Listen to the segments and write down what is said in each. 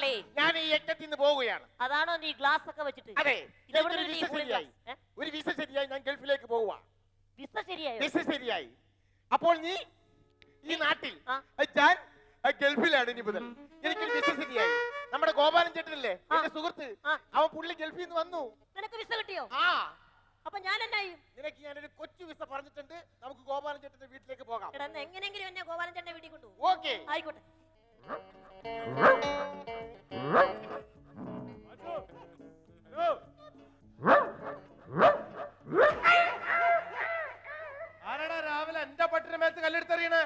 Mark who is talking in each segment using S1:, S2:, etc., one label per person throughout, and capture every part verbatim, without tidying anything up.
S1: ഞാൻ ഈ യജ്ഞത്തിൽ നിന്ന് പോവുകയാണ്.
S2: അതാണോ നീ ഗ്ലാസ് ഒക്കെ വെച്ചിട്ട്?
S1: അതെ, ഒരു വിസ ശരിയായി, ഞാൻ ഗൾഫിലേക്ക് പോവുക.
S2: വിസ ശരിയായി?
S1: വിസ ശരിയായി. അപ്പോൾ നീ ഈ നാട്ടിൽ, ഞാൻ ഗൾഫിലാണ് ഇനി മുതൽ. എനിക്കൊരു വിസ ശരിയായി. നമ്മുടെ ഗോപാലൻ ചേട്ടനല്ലേ എന്റെ സുഹൃത്ത്, അവൻ പുള്ളി ഗൾഫിൽ നിന്ന് വന്നു.
S2: നിനക്ക് വിസ കിട്ടിയോ?
S1: ആ.
S2: അപ്പൊ ഞാൻ എന്നായി?
S1: നിനക്ക് ഞാനൊരു കൊച്ചു വിസ പറഞ്ഞിട്ടുണ്ട്. നമുക്ക് ഗോപാലൻ ചേട്ടന്റെ വീട്ടിലേക്ക് പോകാം.
S2: എങ്ങനെയെങ്കിലും എന്നെ ഗോപാലൻ ചേട്ടന്റെ വീട്ടിൽ കൊണ്ടുപോകും.
S1: ഓക്കെ,
S2: ആയിക്കോട്ടെ.
S1: ആരാടാ രാവിലെ എന്റെ പട്ടിന് മേത്ത് കല്ലെടുത്തെറിയണേ?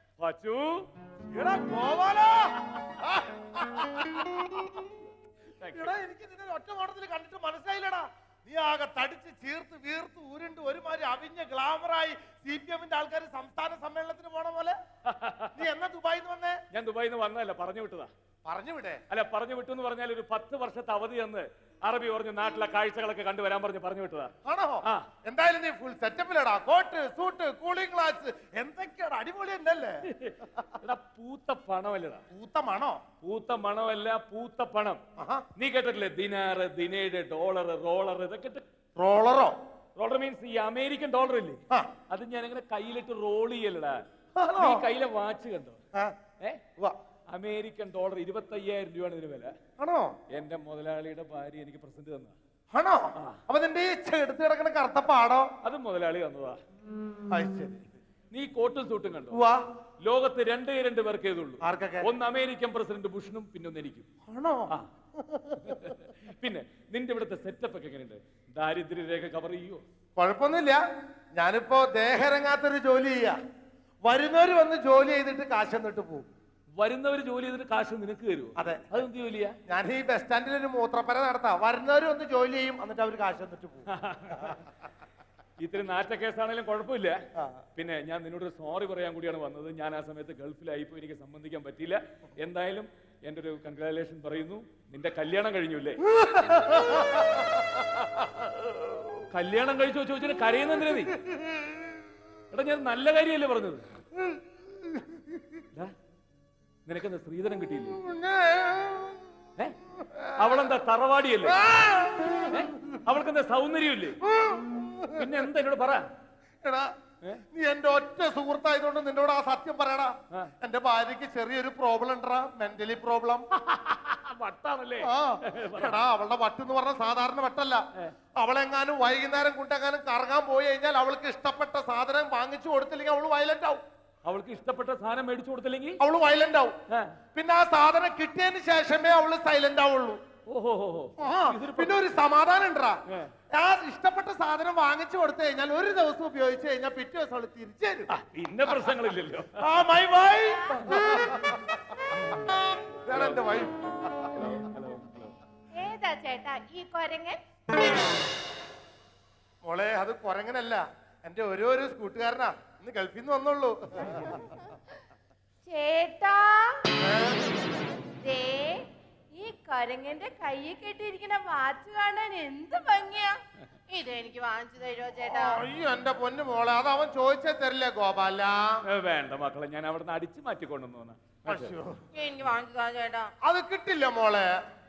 S1: എനിക്ക് നിന്നെ ഒറ്റ നോട്ടത്തിൽ കണ്ടിട്ട് മനസ്സിലായില്ലടാ. നീ ആകെ തടിച്ച് ചീർത്ത് വീർത്ത് ഉരുണ്ട് ഒരുമാതിരി അവിഞ്ഞ ഗ്ലാമറായി സി പി എമ്മിന്റെ ആൾക്കാർ സംസ്ഥാന സമ്മേളനത്തിന് പോണ പോലെ. നീ എന്നാ ദുബായിന്ന് വന്നേ?
S3: ഞാൻ ദുബായിന്ന് വന്നതല്ല, പറഞ്ഞു വിട്ടതാ.
S1: പറഞ്ഞു വിടേ?
S3: അല്ല, പറഞ്ഞു വിട്ടു എന്ന് പറഞ്ഞാൽ ഒരു പത്ത് വർഷത്തെ അവധി എന്ന് അറബി പറഞ്ഞു നാട്ടിലെ കാഴ്ചകളൊക്കെ കണ്ടുവരാൻ പറഞ്ഞു പറഞ്ഞു വിട്ടതാ.
S1: ആണോ? എന്തായാലും നീ ഫുൾ സെറ്റപ്പിലടാ. കോട്ട്, സൂട്ട്, കൂളിംഗ് ഗ്ലാസ്, എന്തൊക്കെയാണ് അടിപൊളി ഉണ്ടല്ലേ?
S3: എടാ, പൂത്ത പണമല്ലടാ.
S1: പൂത്ത മണോ?
S3: പൂത്ത മണമല്ല, പൂത്ത പണം. നീ കേട്ടിട്ടില്ലേ ദിനാറ്, ദിനേഡ്, ഡോളർ, റോളർ, ഇതൊക്കെ.
S1: റോളറോ?
S3: റോളർ മീൻസ് ഈ അമേരിക്കൻ ഡോളർ ഇല്ലേ, അത് ഞാൻ അങ്ങനെ കയ്യിലിട്ട് റോൾ ചെയ്യലടാ. നീ കയ്യിലെ വാച്ച് കണ്ടോ? ഏ, അമേരിക്കൻ ഡോളർ ഇരുപത്തി അയ്യായിരം രൂപയാണ് ഇതിന് വില.
S1: ആണോ?
S3: എന്റെ മുതലാളിയുടെ ഭാര്യ എനിക്ക് പ്രസന്റ് തന്നതാ.
S1: ആണോ? അപ്പൊ നിന്റെ ഈ എടുത്ത് കിടക്കുന്ന കറുത്ത പാടോ?
S3: അത് മുതലാളി തന്നതാ. നീ കോട്ടും സൂട്ടും കണ്ടോ? ലോകത്ത് രണ്ടേ രണ്ട് പേർക്ക് ഏതുള്ളൂ. ഒന്ന് അമേരിക്കൻ പ്രസിഡന്റ് ബുഷനും, പിന്നെ ഒന്ന് എനിക്കും.
S1: ആണോ?
S3: പിന്നെ നിന്റെ ഇവിടുത്തെ സെറ്റപ്പ് ഒക്കെ എങ്ങനെയുണ്ട്? ദാരിദ്ര്യരേഖ കവർ ചെയ്യോ?
S1: കുഴപ്പമൊന്നുമില്ല. ഞാനിപ്പോ ദേഹരങ്ങാത്തൊരു ജോലി ചെയ്യാ. വരുന്നവര് വന്ന് ജോലി ചെയ്തിട്ട് കാശ് എന്നിട്ട് പോകും.
S3: വരുന്നവര് ജോലി ചെയ്തിട്ട് കാശ് നിനക്ക് തരുമോ?
S1: അതെ.
S3: അതെന്ത് ജോലിയാ?
S1: ഞാൻ ഈ ബസ് സ്റ്റാൻഡിൽ ഒരു മൂത്രപ്പര നടത്താം. വരുന്നവര് വന്ന് ജോലി ചെയ്യും, എന്നിട്ട് അവര് കാശ് എന്നിട്ട് പോകും.
S3: ഇത്തിരി നാറ്റ കേസാണെങ്കിലും കുഴപ്പമില്ല. പിന്നെ ഞാൻ നിന്നോടൊരു സോറി പറയാൻ കൂടിയാണ് വന്നത്. ഞാൻ ആ സമയത്ത് ഗൾഫിലായിപ്പോ എനിക്ക് സംബന്ധിക്കാൻ പറ്റിയില്ല. എന്തായാലും എന്റെ ഒരു കൺഗ്രാജുലേഷൻ പറയുന്നു. നിന്റെ കല്യാണം കഴിഞ്ഞില്ലേ? കല്യാണം കഴിച്ചോ ചോദിച്ചാൽ കരയുന്നെന്തിനാ നീ? എടാ, ഞാൻ നല്ല കാര്യമല്ലേ പറഞ്ഞത്. നിനക്കെന്താ സ്ത്രീധനം കിട്ടിയില്ലേ? ഏ, അവളെന്താ തറവാടിയല്ലേ? അവൾക്കെന്താ സൗന്ദര്യമില്ലേ? പിന്നെ എന്താ എന്നോട് പറ.
S1: എടാ, നീ എന്റെ ഒറ്റ സുഹൃത്തായതുകൊണ്ട് നിന്നോട് ആ സത്യം പറയടാ. എന്റെ ഭാര്യക്ക് ചെറിയൊരു പ്രോബ്ലം ഉണ്ടടാ, മെന്റലി പ്രോബ്ലം.
S3: വട്ടാണല്ലേ?
S1: എടാ, അവളുടെ വട്ടെന്ന് പറഞ്ഞ സാധാരണ വട്ടല്ല. അവളെങ്ങാനും വൈകുന്നേരം കൊണ്ടെങ്ങാനും കറങ്ങാൻ പോയി കഴിഞ്ഞാൽ അവൾക്ക് ഇഷ്ടപ്പെട്ട സാധനം വാങ്ങിച്ചു കൊടുത്തില്ലെങ്കിൽ അവള് വയലന്റ് ആവും.
S3: അവൾക്ക് ഇഷ്ടപ്പെട്ട സാധനം മേടിച്ചു കൊടുത്തില്ലെങ്കിൽ
S1: അവള് വയലന്റ് ആവും. പിന്നെ ആ സാധനം കിട്ടിയതിന് ശേഷമേ അവള് സൈലന്റ് ആവുള്ളൂ. പിന്നെ ഒരു സമാധാനം ഉണ്ടാ. ആ ഇഷ്ടപ്പെട്ട സാധനം വാങ്ങിച്ചു കൊടുത്തു കഴിഞ്ഞാൽ ഒരു ദിവസം ഉപയോഗിച്ചു കഴിഞ്ഞാൽ പിറ്റേ ദിവസം അവള് തിരിച്ചു തരും.
S3: പിന്നെ പ്രശ്നങ്ങളില്ലല്ലോ.
S1: ആ മൈ വൈഫ്. എന്റെ വൈഫ്.
S4: ഏതാ ചേട്ടാ ഈ കൊരങ്ങൻ?
S1: മോളെ, അത് കൊരങ്ങനല്ല, എന്റെ ഓരോരോ കൂട്ടുകാരനാ. ഇന്ന് ഗൾഫിൽ നിന്ന് വന്നുള്ളൂ.
S4: ചേട്ടാ, ഈ കൊരങ്ങന്റെ കയ്യിൽ കെട്ടിയിരിക്കുന്ന വാച്ച് കാണാൻ എന്ത് ഭംഗിയാ. ഇത് എനിക്ക് വാങ്ങിച്ചു തരുമോ ചേട്ടാ?
S1: അയ്യോ എന്റെ പൊന്നു മോളെ, അത് അവൻ ചോദിച്ചേ തരില്ലേ ഗോപാല?
S3: വേണ്ട മക്കളെ, ഞാൻ അവിടെ അടിച്ചു മാറ്റിക്കൊണ്ടുവന്നു.
S4: എനിക്ക് വാങ്ങിച്ചു താ ചേട്ടാ.
S1: അത് കിട്ടില്ല മോളെ.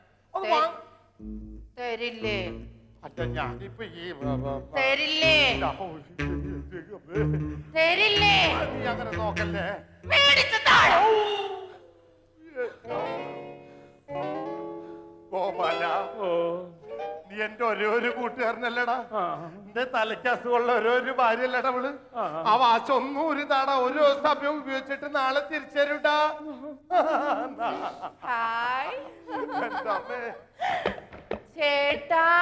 S4: തരില്ലേ?
S1: ഞാനിപ്പോ ഈ
S4: തരില്ലേ? തരില്ലേ?
S1: നീ അങ്ങനെ നോക്കല്ലേ. ഗോപാല, നീ എന്റെ ഒരേ ഒരു കൂട്ടുകാരനല്ലടാ. എന്റെ തലയ്ക്ക് അസുഖമുള്ള ഓരോരു ഭാര്യയല്ലടാ അവള്. ആ വാച്ച് ഒന്നും ഒരു താടാ ഒരു ദിവസം ഉപയോഗിച്ചിട്ട് നാളെ തിരിച്ചരുടാ.
S4: ചേട്ടാ,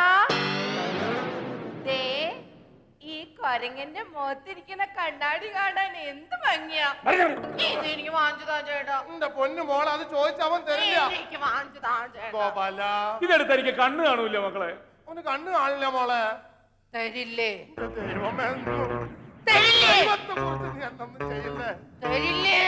S4: ഈ കൊരങ്ങന്റെ മുഖത്തിരിക്കുന്ന കണ്ണാടി കാണാൻ എന്ത് ഭംഗിയാ. ഇത് എനിക്ക് വാങ്ങിച്ചു താ ചേട്ടാ.
S1: എന്റെ പൊന്നു മോളെ, അത് ചോദിച്ചവൻ തരില്ല.
S4: എനിക്ക് വാങ്ങിച്ചു താ ചേട്ടാ.
S1: ഗോപാല,
S3: ഇതെടുത്ത് എനിക്ക് കണ്ണ് കാണൂല മക്കളെ.
S1: അവന് കണ്ണ് കാണില്ല മോളെ.
S4: തരില്ലേ?
S1: ദൈവമേ,
S4: തരില്ലേ?
S1: നീ എന്തൊന്നും ചെയ്യില്ലേ?
S4: തരില്ലേ?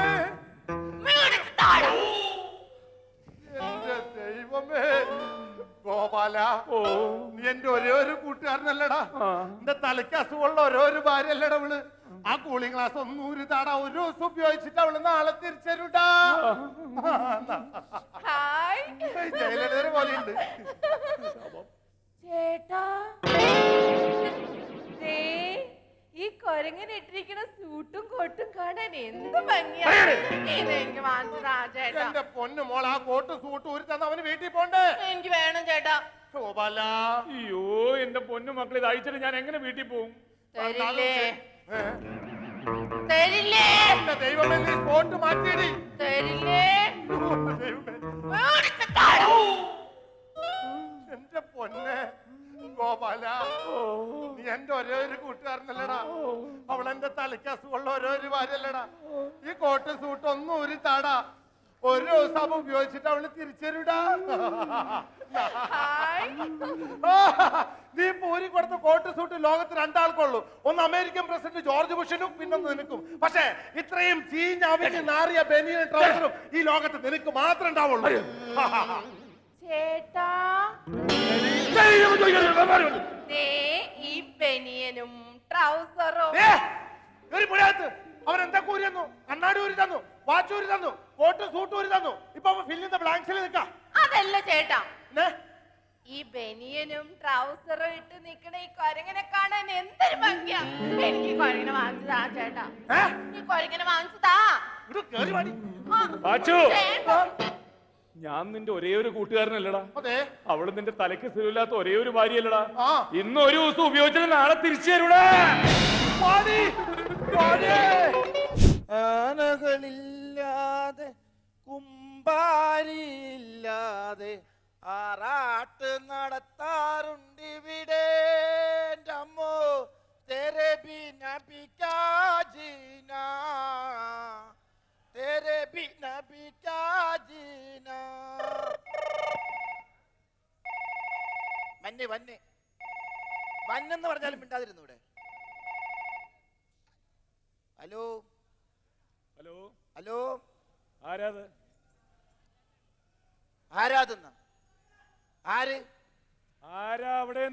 S1: എന്റെ ദൈവമേ ഗോപാല, നീ എന്റെ ഒരേ ഒരു കൂട്ടുകാരനല്ലടാ. എന്റെ തലയ്ക്ക് അസുഖമുള്ള ഓരോരു ഭാര്യയല്ലടാ അവള്. ആ കൂളിംഗ് ഗ്ലാസ് ഒന്നും ഒരു താടാ ഒരു ദിവസം ഉപയോഗിച്ചിട്ട് അവള് നാളെ തിരിച്ചരുടാ.
S4: ഹായ്.
S1: ജയലളിത പോലെയുണ്ട്.
S4: ചേട്ടാ ദേ ഈ കൊരങ്ങൻ ഇട്ടിരിക്കുന്ന സൂട്ടും കോട്ടും കാണാൻ എന്ത് ഭംഗിയാണ്. ഇത് എനിക്ക് വാങ്ങിച്ചതാ ചേട്ടാ.
S1: എന്റെ പൊന്നു മോൾ, ആ കോട്ടും സൂട്ടും ഒരു തന്നെ അവന് വീട്ടിൽ പോണ്ടേ?
S4: എനിക്ക് വേണം ചേട്ടാ.
S1: ശോഭല,
S3: അയ്യോ എന്റെ പൊന്നു മക്കളെ ഇത് അയച്ചിട്ട് ഞാൻ എങ്ങനെ വീട്ടിൽ പോകും?
S4: തരില്ലേ തരില്ലേ
S1: എന്റെ ദൈവമേ, നീ കോട്ട് മാറ്റിയടി.
S4: തരില്ലേ
S1: എന്റെ പൊന്നെ ഗോപാല, നീ എന്റെ ഒരേ ഒരു കൂട്ടുകാരനല്ലടാ. അവളെന്റെ തലയ്ക്ക് അസുഖമുള്ള ഓരോ ഒരു ഭാര്യല്ലടാ. ഈ കോട്ട് സൂട്ട് ഒന്നും ഒരു താടാ. ഒരു ദിവസം അവ ഉപയോഗിച്ചിട്ട് അവള് തിരിച്ചരുടാ. നീ പൂരി കൊടുത്ത കോട്ട് സൂട്ട് ലോകത്ത് രണ്ടാൾക്കുള്ളൂ. ഒന്ന് അമേരിക്കൻ പ്രസിഡന്റ് ജോർജ് ബുഷനും പിന്നൊന്ന് നിനക്കും. പക്ഷേ ഇത്രയും ചീഞ്ഞാവിച്ച് നാറിയ ബനിയൻ ട്രൗസറും ഈ ലോകത്ത് നിനക്ക് മാത്രം ഉണ്ടാവുള്ളൂ.
S4: ചേട്ടാ ദേ ഈ ബനിയനും ട്രൗസറും.
S1: അവൻ എന്താ കൂരി തന്നു? കണ്ണാടി ഊരി തന്നു, വാച്ച് ഊരി തന്നു, കോട്ട് സൂട്ട് ഊരി തന്നു. ഇപ്പൊ ഫില്ലിന്റെ ബ്ലാങ്ക്സിൽ നിൽക്കാം.
S4: അതല്ല ചേട്ടാ, ഈ ബനിയനും ട്രൗസറും ഇട്ട് നിക്കണ ഈ കൊരങ്ങനെ കാണാൻ എന്തൊരു ഭംഗിയാ. എനിക്ക് ഈ കൊരങ്ങനെ വാങ്ങിച്ചതാ ചേട്ടാ. ഈ കൊരങ്ങനെ വാങ്ങിച്ചതാ.
S3: വാച്ചു,
S4: ചേട്ടാ
S3: ഞാൻ നിന്റെ ഒരേ ഒരു കൂട്ടുകാരനല്ലടാ.
S1: അതെ,
S3: അവള് നിന്റെ തലയ്ക്ക് സ്ഥിരമില്ലാത്ത ഒരേ ഒരു ഭാര്യയല്ലടാ.
S1: ആ.
S3: ഇന്ന് ഒരു ദിവസം ഉപയോഗിച്ചത് നാളെ തിരിച്ചു തരൂടാ.
S5: ആനകളില്ലാതെ കുമ്പാരിയില്ലാതെ ആറാട്ട് നടത്താറുണ്ടിവിടെ. അമ്മോ തെരെ ബിന ബികാജീന, തെരെ ബിന ബികാജീന. വന്നെ വന്നെ വന്നെന്ന് പറഞ്ഞാലും മിണ്ടാതിരുന്നു ഇവിടെ. ഹലോ
S3: ഹലോ,
S5: ഹലോ,
S3: ആരാത്?
S5: ആരാതെന്ന ആര്?
S3: ആരാ അവിടെ?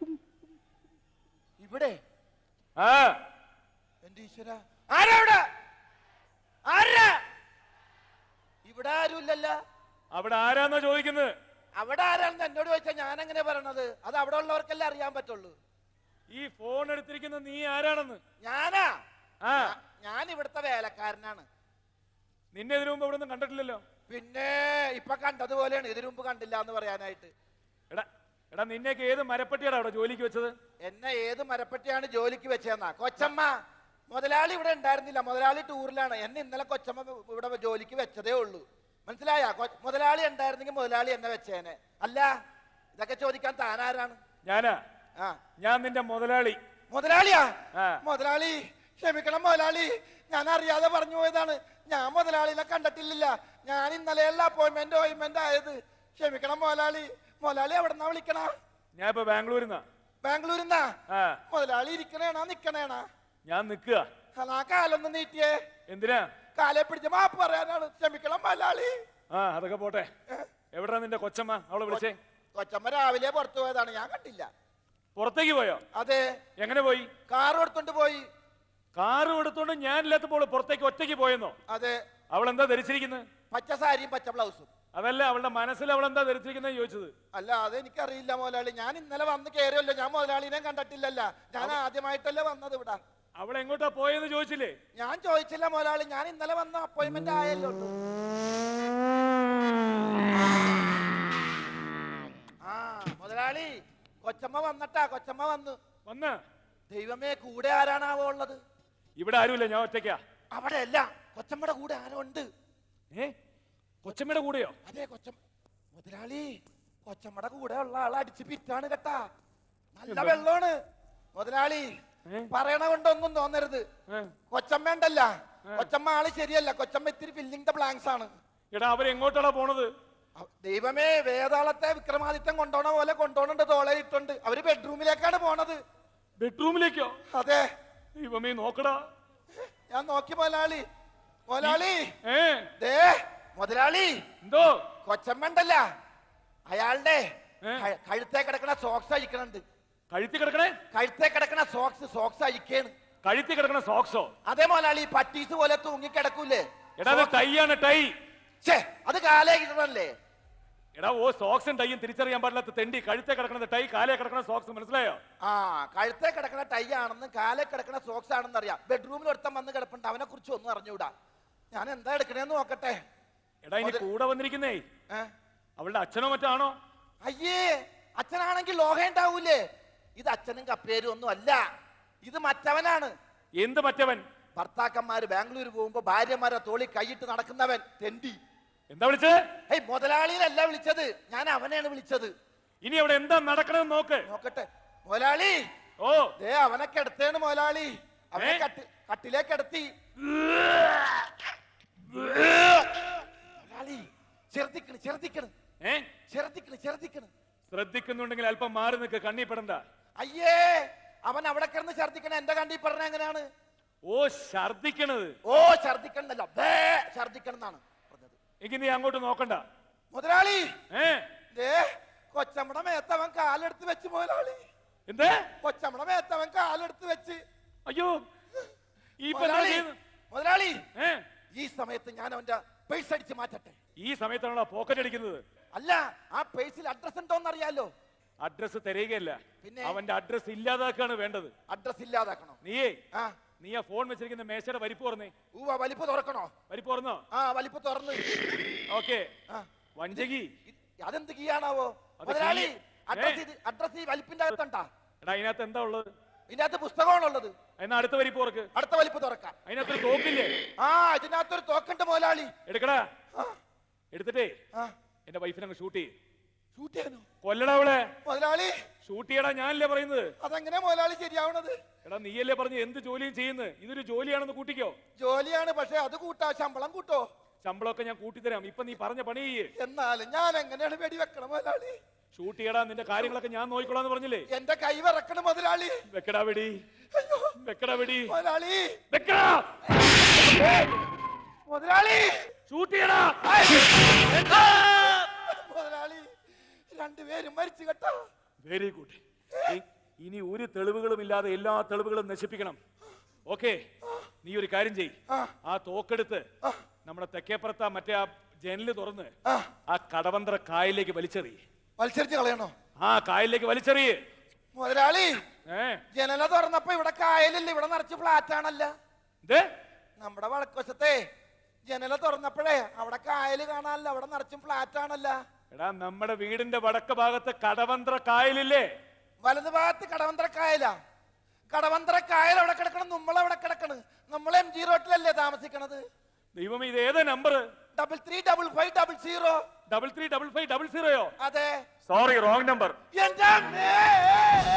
S5: ഇവിടെ
S3: ആ
S5: എന്റെ ഈശ്വര, ആരാ ഇവിടെ? ആരാ ഇവിടെ? ആരുമില്ലല്ല.
S3: അവിടെ ആരാന്നാ ചോദിക്കുന്നത്?
S5: അവിടെ ആരാണെന്ന് എന്നോട് ചോദിച്ചാ ഞാൻ എങ്ങനെ പറയണത്? അത് അവിടെ ഉള്ളവർക്കല്ലേ അറിയാൻ പറ്റുള്ളൂ.
S3: ഈ ഫോൺ എടുത്തിരിക്കുന്ന നീ ആരാണെന്ന്?
S5: ഞാനാ?
S3: ആ,
S5: ഞാൻ ഇവിടുത്തെ വേലക്കാരനാണ്.
S3: നിന്നെ ഇതിനു മുമ്പ് ഇവിടെ ഒന്നും കണ്ടിട്ടില്ലല്ലോ.
S5: പിന്നെ ഇപ്പൊ കണ്ടതുപോലെയാണ്. ഇതിനു മുമ്പ് കണ്ടില്ല എന്ന് പറയാനായിട്ട്.
S3: എടാ എടാ നിന്നെയൊക്കെ ഏത് മരപ്പട്ടിയാണ് അവിടെ ജോലിക്ക് വെച്ചത്?
S5: എന്നെ ഏത് മരപ്പട്ടിയാണ് ജോലിക്ക് വെച്ചതെന്നാ? കൊച്ചമ്മ മുതലാളി ഇവിടെ ഉണ്ടായിരുന്നില്ല. മുതലാളി ടൂറിലാണ്. എന്നെ ഇന്നലെ കൊച്ചമ്മ ഇവിടെ ജോലിക്ക് വെച്ചതേ ഉള്ളൂ. മനസ്സിലായ? മുതലാളി ഉണ്ടായിരുന്നെങ്കിൽ മുതലാളി എന്നെ വെച്ചേനെ. അല്ല, ഇതൊക്കെ ചോദിക്കാൻ താനാരാണ്?
S3: ഞാനാ?
S5: ആ,
S3: ഞാൻ നിന്റെ മുതലാളി.
S5: മുതലാളിയാ?
S3: ആ.
S5: മുതലാളി ക്ഷമിക്കണം മുതലാളി, ഞാൻ അറിയാതെ പറഞ്ഞു പോയതാണ്. ഞാൻ മുതലാളിനെ കണ്ടിട്ടില്ല. ഞാൻ ഇന്നലെയല്ല അപ്പോയിന്റ്മെന്റ് ഓയിന്റ്മെന്റ് ആയത്. ക്ഷമിക്കണം മുതലാളി. മുതലാളി എവിടെന്നാ വിളിക്കണ?
S3: ഞാൻ ഇപ്പൊ ബാംഗ്ലൂരിന്നാ.
S5: ബാംഗ്ലൂരിന്നാ?
S3: ആ.
S5: മുതലാളി ഇരിക്കണേണാ നിക്കണേണാ?
S3: ഞാൻ നിക്കുക.
S5: ആ കാലൊന്ന് നീട്ടിയേ.
S3: എന്തിനാ?
S5: കാലെ പിടിച്ച് മാപ്പ് പറയാനാണ്. ക്ഷമിക്കണം മുതലാളി.
S3: ആ അതൊക്കെ പോട്ടെ. എവിടാ നിന്റെ കൊച്ചമ്മ? അവളെ വിളിച്ചേ.
S5: കൊച്ചമ്മ രാവിലെ പുറത്തു പോയതാണ്. ഞാൻ കണ്ടില്ല.
S3: പുറത്തേക്ക് പോയോ?
S5: അതെ.
S3: എങ്ങനെ പോയി?
S5: കാർ എടുത്തോണ്ട് പോയി.
S3: കാറ് എടുത്തോണ്ട് ഞാനില്ലാത്തപ്പോൾ പുറത്തേക്ക് ഒറ്റയ്ക്ക് പോയെന്നോ?
S5: അതെ.
S3: അവൾ എന്താ ധരിച്ചിരിക്കുന്നത്?
S5: പച്ച സാരിയും പച്ച ബ്ലൗസും.
S3: അതല്ല, അവളുടെ മനസ്സിൽ അവൾ എന്താ ധരിച്ചിരിക്കുന്നത് ചോദിച്ചത്.
S5: അല്ല, അതെനിക്കറിയില്ല മുതലാളി. ഞാൻ ഇന്നലെ വന്ന് കയറിയല്ലോ. ഞാൻ മുതലാളിനെ കണ്ടിട്ടില്ലല്ല. ഞാൻ ആദ്യമായിട്ടല്ലേ വന്നത് ഇവിടെ.
S3: അവൾ എങ്ങോട്ടാ പോയെന്ന് ചോദിച്ചില്ലേ?
S5: ഞാൻ ചോദിച്ചില്ല മുതലാളി. ഞാൻ ഇന്നലെ വന്ന അപ്പോയിന്റ്മെന്റ് ആയല്ലോ. ആ മുതലാളി, കൊച്ചമ്മ വന്നട്ടാ. കൊച്ചമ്മ വന്നു.
S3: വന്ന
S5: ദൈവമേ, കൂടെ ആരാണാവോ ഉള്ളത്?
S3: ഇവിടെ ആരുമില്ല, ഞാൻ ഒറ്റയ്ക്കാ.
S5: അവിടെ അല്ല, കൊച്ചമ്മയുടെ കൂടെ ആരോ ഉണ്ട്.
S3: ഏ കൊച്ചമ്മയുടെ കൂടെയോ?
S5: അതെ, കൊച്ചമ്മ. മുതലാളി, കൊച്ചമ്മയുടെ കൂടെ ഉള്ള ആളെ അടിച്ച് പിറ്റാണ് കേട്ടാ. നല്ല വെള്ളമാണ് മുതലാളി. പറയണ കൊണ്ടൊന്നും തോന്നരുത്. കൊച്ചമ്മ ഉണ്ടല്ല, കൊച്ചമ്മ ആള് ശരിയല്ല. കൊച്ചമ്മ ഇത്തിരി ഫില്ലിംഗ് ദ ബ്ലാങ്ക്സ് ആണ്.
S3: എടാ അവരെങ്ങോട്ടാണ് പോണത്?
S5: ദൈവമേ, വേതാളത്തെ വിക്രമാദിത്യൻ കൊണ്ടോണ പോലെ കൊണ്ടോണുണ്ട്. തോളയിട്ടുണ്ട്. അവര് ബെഡ്റൂമിലേക്കാണ് പോണത്.
S3: ബെഡ്റൂമിലേക്കോ?
S5: അതെ.
S3: ദൈവമേ നോക്കടാ.
S5: ഞാൻ നോക്കി മുതലാളി. മുതലാളി
S3: ഏ
S5: ദേ മുതലാളി,
S3: എന്തോ?
S5: കൊച്ചമ്മ ഉണ്ടല്ല, അയാളുടെ കഴുത്തേ കിടക്കണ സോക്സ് അഴിക്കണുണ്ട്.
S3: കഴുത്തി കിടക്കണേ?
S5: കഴുത്തേ കിടക്കണ സോക്സ് സോക്സ് അഴിക്കാണ്.
S3: കഴുത്തി കിടക്കണ സോക്സോ?
S5: അതേ മുതലാളി, പട്ടീസ് പോലെ തൂങ്ങി കിടക്കൂലേ?
S3: എടാ അത് ടൈ ആണ്, ടൈ.
S5: ഛേ, അത് കാലേ കിട്ടണല്ലേ?
S3: എടാ ഓ സോക്സും ടൈയും തിരിച്ചറിയാൻ പാടില്ലാത്ത തെണ്ടി കഴുത്തെ കിടക്കുന്നത് ടൈ കാലേ കിടക്കുന്ന സോക്സ് മനസ്സിലായോ?
S5: ആ കഴുത്തെ കിടക്കണ ടൈ ആണെന്ന് കാലെ കിടക്കണ സോക്സ് ആണെന്ന് അറിയാം. ബെഡ്റൂമിൽ ഒരുത്തം വന്ന് കിടപ്പുണ്ട്, അവനെ കുറിച്ച് ഒന്നും അറിഞ്ഞൂടാ. ഞാൻ എന്താ എടുക്കണേന്ന് നോക്കട്ടെ.
S3: എടാ ഇനി കൂടെ വന്നിരിക്കുന്നേ
S5: ഏ?
S3: അവളുടെ അച്ഛനോ മറ്റാണോ?
S5: അയ്യേ, അച്ഛനാണെങ്കിൽ ലോഹ ഉണ്ടാവൂലേ? ഇത് അച്ഛനും കപ്പേരും ഒന്നും അല്ല, ഇത് മറ്റവനാണ്.
S3: എന്ത് മറ്റവൻ?
S5: ഭർത്താക്കന്മാര് ബാംഗ്ലൂർ പോകുമ്പോ ഭാര്യമാരെ തോളി കൈയിട്ട് നടക്കുന്നവൻ തെണ്ടി.
S3: എന്താ വിളിച്ചത്?
S5: ഏയ് മുതലാളിയിലല്ല വിളിച്ചത്, ഞാൻ അവനെയാണ് വിളിച്ചത്.
S3: ഇനി അവിടെ എന്താ നടക്കണമെന്ന് നോക്ക്.
S5: നോക്കട്ടെ മുതലാളി.
S3: ഓ
S5: ദേ അവനൊക്കെ എടുത്തേണ് മുതലാളി, അവനെ
S3: ഏ?
S5: കട്ടി കട്ടിലേക്ക് എടുത്തി. മുതലാളി ചെറുതിക്കണ് ചെറുതിക്കണ്
S3: ഏ
S5: ചെറുതിക്കണ് ചെറുതിക്കണ്.
S3: ശ്രദ്ധിക്കുന്നുണ്ടെങ്കിൽ അല്പം മാറി നിൽക്ക്, കണ്ണിപ്പെടണ്ട.
S5: അയ്യേ, അവൻ അവിടെ കിടന്ന് ഛർദിക്കണ എന്റെ കണ്ടി പറഞ്ഞ എങ്ങനെയാണ്?
S3: ഓ ഛർദിക്കണത്.
S5: ഓ ഛർദിക്കണമെന്നല്ല, ബേ ഛർദിക്കണം എന്നാണ് പറഞ്ഞത്.
S3: എങ്കിൽ നീ അങ്ങോട്ട് നോക്കണ്ട.
S5: മുതലാളി
S3: ഏ
S5: ദേ കൊച്ചമ്മടെ മേത്തവൻ കാലെടുത്ത് വെച്ച് മുതലാളി.
S3: എന്ത്?
S5: കൊച്ചമ്മടെ മേത്തവൻ കാലെടുത്ത് വെച്ച്.
S3: അയ്യോ ഈ
S5: മുതലാളി മുതലാളി
S3: ഏ
S5: ഈ സമയത്ത് ഞാൻ അവന്റെ പേഴ്സ് അടിച്ച് മാറ്റട്ടെ?
S3: ഈ സമയത്താണോ പോക്കറ്റ് അടിക്കുന്നത്?
S5: അല്ല, ആ പേഴ്സിൽ അഡ്രസ് ഉണ്ടോന്ന് അറിയാലോ.
S3: അഡ്രസ് തരികയല്ല,
S5: പിന്നെ?
S3: അവന്റെ അഡ്രസ് ഇല്ലാതാക്കാണ് വേണ്ടത്.
S5: അഡ്രസ് ഇല്ലാതാക്കണോ?
S3: നീയേ
S5: ആ
S3: നീ ആ ഫോൺ വെച്ചിരിക്കുന്ന മേശയുടെ വലിപ്പ് തുറന്നേ.
S5: ഊവ വലിപ്പ് തുറക്കണോ?
S3: വലിപ്പ് തുറന്നോ?
S5: ആ വലിപ്പ് തുറന്ന്.
S3: ഓക്കെ.
S5: ആ
S3: വഞ്ചകി
S5: ഇത് അതെന്ത് കീയാണാവോ
S3: അത്
S5: മുതലാളി?
S3: കീ-
S5: അഡ്രസ് ഇത് അഡ്രസ് ഈ വലിപ്പിന്റെ അകത്തുണ്ടാ?
S3: എടാ അതിനകത്ത് എന്താ ഉള്ളത്?
S5: ഇതിനകത്ത് പുസ്തകമാണുള്ളത്.
S3: എന്നാ അടുത്ത വലിപ്പ് തുറക്ക്.
S5: അടുത്ത വലിപ്പ് തുറക്കാം.
S3: അതിനകത്തൊരു തോക്കില്ലേ?
S5: ആ ഇതിനകത്തൊരു തോക്കുണ്ട് മുതലാളി.
S3: എടുക്കടാ.
S5: ആ,
S3: എടുത്തിട്ടേ
S5: ആ
S3: എന്റെ വൈഫിനെ അങ്ങ് ഷൂട്ട് ചെയ്യ്.
S5: ഷൂട്ട് ചെയ്യാനോ?
S3: കൊല്ലടാ അവളെ.
S5: മുതലാളി
S3: ഷൂട്ട് ചെയ്യടാ. ഞാനല്ലേ പറയുന്നത്?
S5: അതെങ്ങനെ മുതലാളി ശരിയാവണത്?
S3: എടാ നീയല്ലേ പറഞ്ഞ് എന്ത് ജോലിയും ചെയ്യുന്നത്? ഇതൊരു ജോലിയാണെന്ന് കൂട്ടിക്കോ.
S5: ജോലിയാണ്, പക്ഷെ അത് കൂട്ടാ ശമ്പളം കൂട്ടോ?
S3: ശമ്പളമൊക്കെ ഞാൻ കൂട്ടിത്തരാം. ഇപ്പൊ നീ പറഞ്ഞ പണി ചെയ്യ്.
S5: എന്നാലും ഞാൻ എങ്ങനെയാണ് വെടി വെക്കണം മുതലാളി?
S3: ഷൂട്ട് ചെയ്യടാ. നിന്റെ കാര്യങ്ങളൊക്കെ ഞാൻ നോക്കിക്കോളാന്ന് പറഞ്ഞില്ലേ?
S5: എന്റെ കൈ വിറക്കണം മുതലാളി.
S3: വെക്കടാ വെടി.
S5: അയ്യോ
S3: വെക്കടാ വെടി.
S5: മുതലാളി
S3: വെക്കടാ.
S5: മുതലാളി
S3: ഷൂട്ട് ചെയ്യടാ.
S5: മുതലാളി രണ്ടുപേരും മരിച്ചു കേട്ടോ.
S3: Very good. ഇനി ഒരു തെളിവുകളും ഇല്ലാതെ എല്ലാ തെളിവുകളും നശിപ്പിക്കണം. ഓക്കെ, നീ ഒരു കാര്യം ചെയ്.
S5: ആ.
S3: ആ തോക്കെടുത്ത്
S5: ആ.
S3: നമ്മുടെ തെക്കേപ്പുറത്ത് മറ്റേ ആ ജനല് തുറന്ന്
S5: ആ
S3: ആ കടവന്ത്ര കായലിലേക്ക് വലിച്ചെറി.
S5: മത്സരിച്ച് കളയണോ?
S3: ആ കായലിലേക്ക് വലിച്ചെറിയ്.
S5: മുതലാളി
S3: ഏ
S5: ജനല തുറന്നപ്പോ ഇവിടെ കായലില്ല, ഇവിടെ നിറച്ച് ഫ്ലാറ്റ് ആണല്ല.
S3: ഇത്
S5: നമ്മുടെ വടക്കുവശത്തെ ജനല തുറന്നപ്പോഴേ അവിടെ കായല് കാണാനല്ല, അവിടെ നിറച്ചും ഫ്ലാറ്റ് ആണല്ല.
S3: എടാ നമ്മുടെ വീടിന്റെ വടക്ക് ഭാഗത്ത് കടവന്ത്ര കായലില്ലേ?
S5: വലതു ഭാഗത്ത് കടവന്ത്ര കായലാ. കടവന്ത്ര കായൽ അവിടെ കിടക്കണം, നമ്മളവിടെ കിടക്കണ്. നമ്മൾ എം ജി റോട്ടിലല്ലേ താമസിക്കണത്.
S3: ദൈവമേ, ഇത് ഏതാ number?
S5: Double three double five double zero.
S3: Double three double five double സീറോയോ?
S5: അതെ.
S3: Sorry, wrong number.
S5: എന്റെ അമ്മേ!